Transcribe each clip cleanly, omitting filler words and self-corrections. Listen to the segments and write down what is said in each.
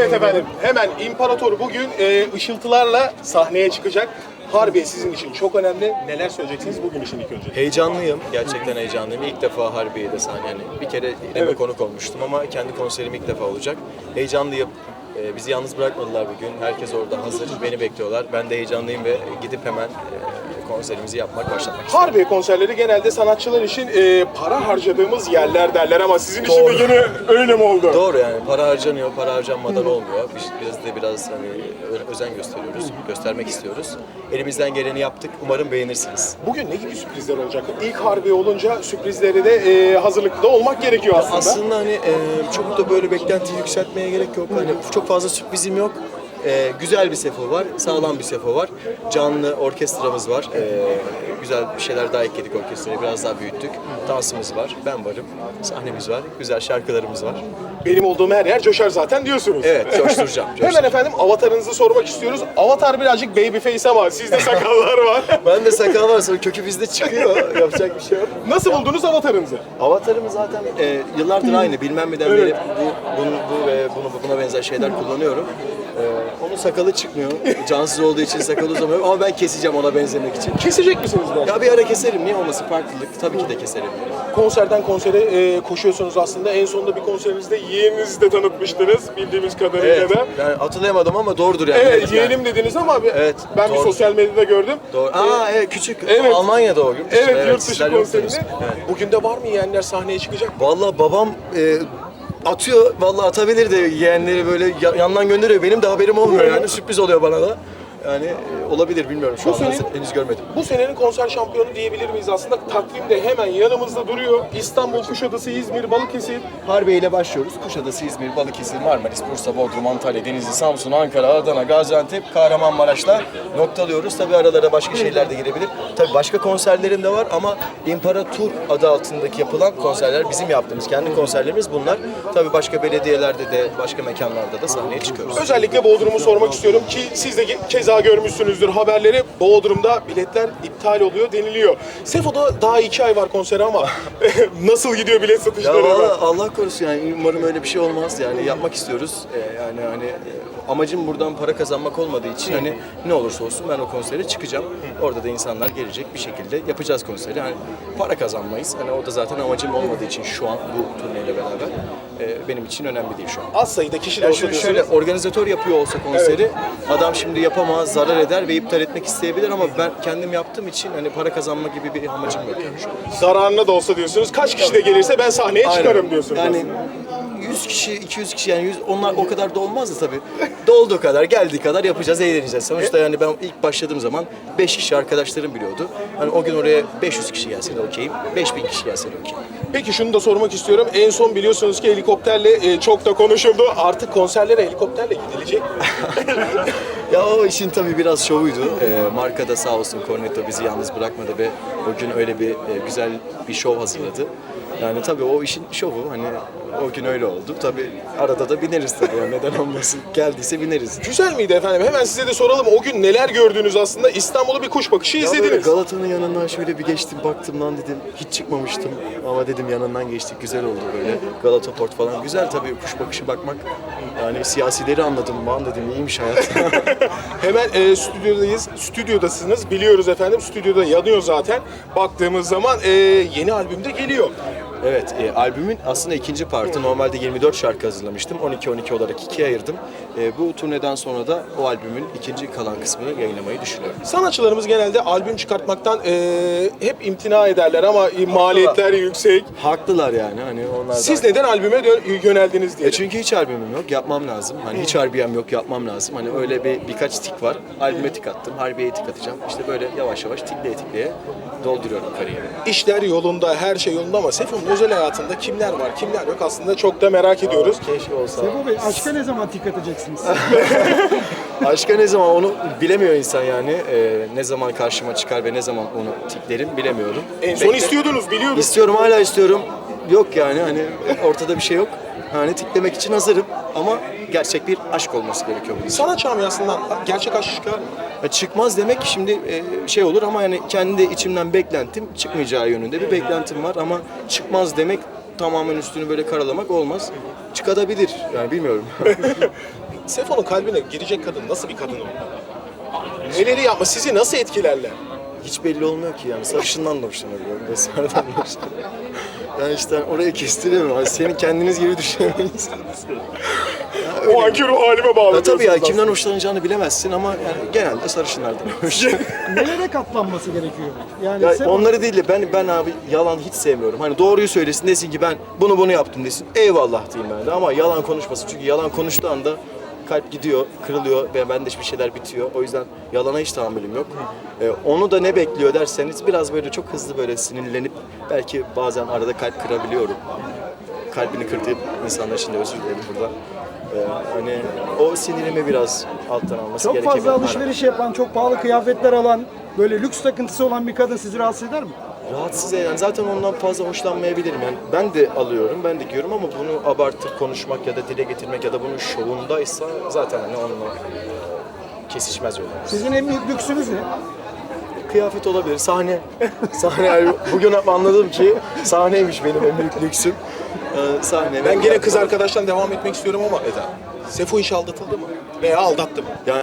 Evet efendim, hemen İmparator bugün ışıltılarla sahneye çıkacak. Harbiye sizin için çok önemli. Neler söyleyeceksiniz bugün için ilk önce? Heyecanlıyım. Gerçekten heyecanlıyım. İlk defa Harbiye'de sahne. Yani bir kere İrem'e konuk olmuştum ama kendi konserim ilk defa olacak. Heyecanlıyım. Bizi yalnız bırakmadılar bugün. Herkes orada hazır. Beni bekliyorlar. Ben de heyecanlıyım ve gidip hemen konserimizi başlatmak istiyorum. Harbiye konserleri genelde sanatçılar için para harcadığımız yerler derler ama sizin için de yine öyle mi oldu? Doğru, yani para harcanıyor, para harcanmadan olmuyor. Biz biraz hani özen gösteriyoruz, göstermek istiyoruz. Elimizden geleni yaptık. Umarım beğenirsiniz. Bugün ne gibi sürprizler olacak? İlk Harbiye olunca sürprizleri de hazırlıklı olmak gerekiyor aslında. Aslında hani çok da böyle beklentiyi yükseltmeye gerek yok. Hani çok fazla sürprizim yok. Güzel bir sefo var, sağlam bir sefo var. Canlı orkestramız var. Güzel bir şeyler daha ekledik orkestraya, biraz daha büyüttük. Dansımız var, ben varım, sahnemiz var, güzel şarkılarımız var. Benim olduğum her yer coşar zaten diyorsunuz. Evet, coşturacağım. Hemen efendim avatarınızı sormak istiyoruz. Avatar birazcık baby face ama sizde sakallar var. Ben de sakal var, sonra kökü bizde çıkıyor. Yapacak bir şey yok. Nasıl buldunuz avatarınızı? Avatarımız zaten yıllardır aynı. Bilmem neden beri bu ve buna benzer şeyler kullanıyorum. Onun sakalı çıkmıyor. Cansız olduğu için sakalı uzamıyor ama ben keseceğim ona benzemek için. Kesecek misiniz ben? Ya bir ara keserim, niye olmasın, farklılık. Tabii ki de keserim. Konserden konsere koşuyorsunuz aslında. En sonunda bir konserinizde yeğeninizi de tanıtmıştınız bildiğimiz kadarıyla Evet, da. yani hatırlayamadım ama doğrudur yani. Evet, yeğenim dediniz ama Evet, ben bir doğru. sosyal medyada gördüm. Doğru. Evet, küçük. Evet. Almanya'da o yurt dışı. Evet, yurt dışı sizler konserinde. yoktunuz. Evet. Bugün de var mı yeğenler sahneye çıkacak? Vallahi babam atıyor, vallahi atabilir de yeğenleri böyle yandan gönderiyor. Benim de haberim olmuyor yani, sürpriz oluyor bana da. Yani olabilir, bilmiyorum, şu anda henüz görmedim. Bu senenin konser şampiyonu diyebilir miyiz aslında? Takvimde hemen yanımızda duruyor. İstanbul, Kuşadası, İzmir, Balıkesir. Harbiye ile başlıyoruz. Kuşadası, İzmir, Balıkesir, Marmaris, Bursa, Bodrum, Antalya, Denizli, Samsun, Ankara, Adana, Gaziantep, Kahramanmaraş'la noktalıyoruz. Tabii aralara başka şeyler de girebilir. Tabii başka konserlerim de var ama İmparator adı altındaki yapılan konserler bizim yaptığımız kendi konserlerimiz bunlar. Tabii başka belediyelerde de, başka mekanlarda da sahneye çıkıyoruz. Özellikle Bodrum'u sormak istiyorum ki siz de keza görmüşsünüzdür haberleri. Bodrum'da biletler iptal oluyor deniliyor. Sefo'da daha 2 ay var konseri ama nasıl gidiyor bilet satışları? Ya vallahi Allah korusun, yani umarım öyle bir şey olmaz, yani yapmak istiyoruz. Yani hani amacım buradan para kazanmak olmadığı için hani ne olursa olsun ben o konsere çıkacağım. Orada da insanlar gelecek, bir şekilde yapacağız konseri. Hani para kazanmayız. Hani o da zaten amacım olmadığı için şu an bu turneyle beraber benim için önemli değil şu an. Az sayıda kişi de Yani olsa şöyle organizatör yapıyor olsa konseri, adam şimdi yapamaz, zarar eder ve iptal etmek isteyebilir ama ben kendim yaptığım için hani para kazanma gibi bir amacım yok yani şu an. zararına da olsa diyorsunuz. Kaç kişi de gelirse ben sahneye çıkarım diyorsunuz. Yani 100 kişi, 200 kişi, yani onlar o kadar da olmaz da tabii. Dolduğu kadar, geldiği kadar yapacağız, eğleneceğiz. Sonuçta yani ben ilk başladığım zaman 5 kişi arkadaşlarım biliyordu. Hani o gün oraya 500 kişi gelse de okeyim, 5000 kişi gelse de okeyim. Peki şunu da sormak istiyorum. En son biliyorsunuz ki helikopterle çok da konuşuldu. Artık konserlere helikopterle gidilecek mi? Ya o işin tabii biraz şovuydu. Marka da sağ olsun, Cornetto bizi yalnız bırakmadı ve o gün öyle bir güzel bir şov hazırladı. Yani tabii o işin şovu, hani o gün öyle oldu. Tabii arada da bineriz tabii, yani neden olmasın. Geldiyse bineriz. Güzel miydi efendim? Hemen size de soralım. O gün neler gördünüz aslında? İstanbul'u bir kuş bakışı Ya böyle izlediniz. Galata'nın yanından şöyle bir geçtim, baktım lan dedim, hiç çıkmamıştım ama dedim yanından geçtik, güzel oldu böyle. Galata Port falan güzel tabii, kuş bakışı bakmak. Yani siyasileri anladım, man dedim, iyiymiş hayat. Hemen stüdyodayız. Stüdyodasınız. Biliyoruz efendim. Stüdyoda yanıyor zaten. Baktığımız zaman yeni albüm de geliyor. Evet, albümün aslında ikinci partı. Normalde 24 şarkı hazırlamıştım. 12-12 olarak ikiye ayırdım. Bu turneden sonra da o albümün ikinci kalan kısmını yayınlamayı düşünüyorum. Sanatçılarımız genelde albüm çıkartmaktan hep imtina ederler ama maliyetler yüksek. Haklılar yani, hani onlar da... Siz neden albüme yöneldiniz diye. Çünkü hiç albümüm yok, yapmam lazım. Hani hiç harbiyem yok, yapmam lazım. Hani öyle birkaç tik var. Albüme tik attım, harbiyeye tik atacağım. İşte böyle yavaş yavaş tikleye dolduruyorum kariyerimi. İşler yolunda, her şey yolunda ama Sefo'nun özel hayatında kimler var, kimler yok aslında çok da merak ediyoruz. Keşke olsa. Sefo Bey, aşka ne zaman tik atacaksınız? Aşka ne zaman, onu bilemiyor insan yani. Ne zaman karşıma çıkar ve ne zaman onu tiklerim bilemiyorum. En son istiyordunuz, biliyordum. İstiyorum, hala istiyorum. Yok yani, hani ortada bir şey yok. Hani tiklemek için hazırım ama gerçek bir aşk olması gerekiyor bunun için. Sanat camiasından gerçek aşk çıkar mı? Çıkmaz demek şimdi şey olur ama yani kendi içimden beklentim, çıkmayacağı yönünde bir beklentim var ama çıkmaz demek tamamen üstünü böyle karalamak olmaz. Çıkabilir yani, bilmiyorum. Sefo'nun kalbine girecek kadın nasıl bir kadın olmalı? Neleri yapma, sizi nasıl etkilerler? Hiç belli olmuyor ki yani. Sarışından da hoşlanabiliyorum. Besmer'den de hoşlanıyorum. Yani işte oraya kestiremiyorum. Yani senin kendiniz gibi düşünemeyiz. O anki ruh halime bağlı. Ya tabii ya diyorsunuz kimden hoşlanacağını bilemezsin ama yani genelde sarışınlardan hoşlanıyorum. Nelere katlanması gerekiyor? Yani Ya Sefo- onları değil de ben abi yalan hiç sevmiyorum. Hani doğruyu söylesin, desin ki ben bunu yaptım desin. Eyvallah diyeyim ben de ama yalan konuşmasın. Çünkü yalan konuştuğu anda kalp gidiyor, kırılıyor ve bende bir şeyler bitiyor. O yüzden yalana hiç tahammülüm yok. Onu da ne bekliyor derseniz biraz böyle çok hızlı böyle sinirlenip belki bazen arada kalp kırabiliyorum. Kalbini kırdığım insanlar için de özür dilerim burada. Hani o sinirimi biraz alttan alması çok gerekebilir. fazla alışveriş yapan, çok pahalı kıyafetler alan, böyle lüks takıntısı olan bir kadın sizi rahatsız eder mi? Rahatsız eden, zaten ondan fazla hoşlanmayabilirim. Yani ben de alıyorum, ben de giyiyorum ama bunu abartıp konuşmak ya da dile getirmek ya da bunun şovundaysa zaten hani onunla kesişmez yollar. Sizin en büyük lüksünüz ne? Kıyafet olabilir, sahne. Sahne yani bugün anladım ki sahneymiş benim en büyük lüksüm. Sahne. Ben gene kız arkadaştan devam etmek istiyorum ama Sefo hiç aldatıldı mı? Veya aldattı mı? Yani,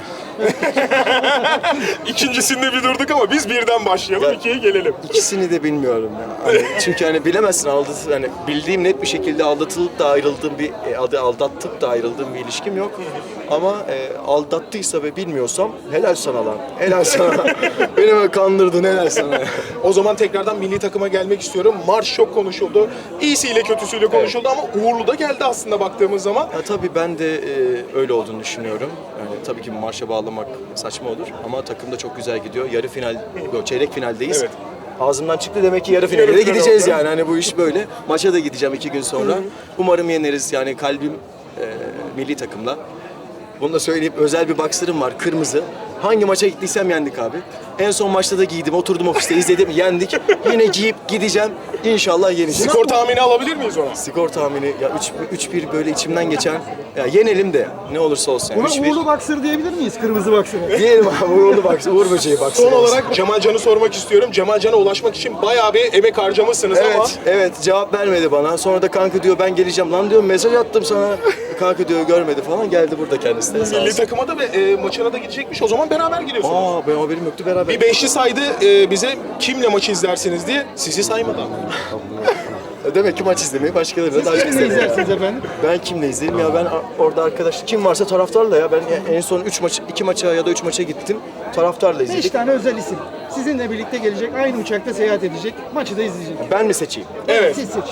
İkincisinde bir durduk ama biz birden başlayalım, Ya- ikiye gelelim. İkisini de bilmiyorum ya. Hani çünkü hani bilemezsin hani bildiğim net bir şekilde aldatılıp da ayrıldığım aldattıp da ayrıldığım bir ilişkim yok. Ama aldattıysa ve bilmiyorsam helal sana lan. Helal sana. Beni böyle kandırdın helal sana. O zaman tekrardan milli takıma gelmek istiyorum. Marş çok konuşuldu. İyisiyle kötüsüyle konuşuldu ama uğurlu da geldi aslında baktığımız zaman. Ya tabii ben de öyle olduğunu düşünüyorum. Yani tabii ki marşa bağlamak saçma olur ama takım da çok güzel gidiyor. Yarı final, yok çeyrek finaldeyiz. Evet. Ağzımdan çıktı demek ki yarı finale de Yarı final gideceğiz oldu. yani. Hani bu iş böyle. Maça da gideceğim 2 gün sonra. Umarım yeneriz. Yani kalbim milli takımla. Bunu da söyleyeyim, özel bir boxer'ım var, kırmızı. Hangi maça gittiysem yendik abi. En son maçta da giydim, oturdum ofiste izledim, yendik. Yine giyip gideceğim, İnşallah yeneceğiz. Skor tahmini alabilir miyiz ona? Skor tahmini, ya 3-1 böyle içimden geçen, ya yenelim de ne olursa olsun. Yani Buna 3-1. uğurlu boxer diyebilir miyiz? Kırmızı boxer'a. Diyelim abi, Uğurlu Boxer, Uğur Böceği Boxer. Son olarak Cemal Can'ı sormak istiyorum. Cemal Can'a ulaşmak için bayağı bir emek harcamışsınız ama... Evet, cevap vermedi bana. Sonra da kanka diyor ben geleceğim. Lan diyorum mesaj attım sana. Kanka diyor görmedi falan. Geldi burada kendisi de sağ Milli olsun. takıma da ve maçına da gidecekmiş. O zaman beraber gidiyorsunuz. Aa ben haberim yoktu, beraber. Bir beşli saydı bize kimle maçı izlersiniz diye. Sizi saymadı ama. Demek ki maç izlemeyi başkalarına daha çok Kimle seviyorum. izlersiniz efendim? Ben kimle izleyeyim ya, ben orada arkadaş kim varsa taraftarla ya. Ben en son 2 maça ya da 3 maça gittim. Taraftarla 5 izledik. tane özel isim. Sizinle birlikte gelecek, aynı uçakta seyahat edecek, maçı da izleyecek. Ben mi seçeyim? Evet. Siz seçin.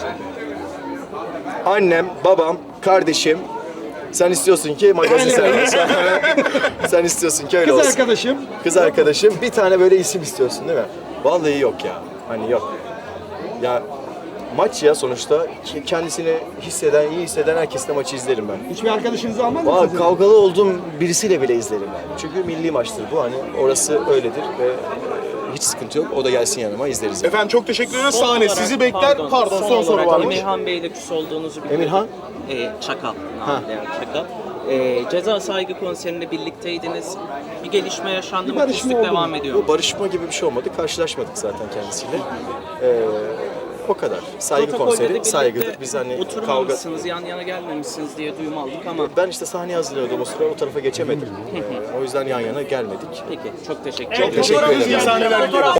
Annem, babam, kardeşim. Sen istiyorsun ki magazin sen. Sen istiyorsun ki öyle Kız olsun. arkadaşım. Kız arkadaşım, bir tane böyle isim istiyorsun değil mi? Vallahi yok ya. Hani yok. Ya maç ya sonuçta, kendisini iyi hisseden herkesle maçı izlerim ben. Hiçbir arkadaşınızı almaz Valla mısınız? kavgalı olduğum birisiyle bile izlerim yani. Çünkü milli maçtır bu, hani orası öyledir ve hiç sıkıntı yok. O da gelsin yanıma, izleriz. Yani. Efendim çok teşekkür ederiz. Sahne olarak- sizi bekler. Pardon son soru olarak varmış. Emirhan Bey'le küs olduğunuzu biliyorum. Emirhan? Çakal. Yani Çakal. Ceza saygı konserinde birlikteydiniz. Bir gelişme yaşandı mı? barışma Küslük oldu mu? devam ediyor mu? Bu barışma gibi bir şey olmadı. Karşılaşmadık zaten kendisiyle. O kadar. Saygı Protokolde de konseri birlikte saygıdır. Biz hani kavga... oturmamışsınız, yan yana gelmemişsiniz diye duyum aldık ama Ben işte sahneye hazırlıyordum o sıra, o tarafa geçemedim. O yüzden yan yana gelmedik. peki çok teşekkür Çok ederim. teşekkür ederim. İyi sahneler diliyorum.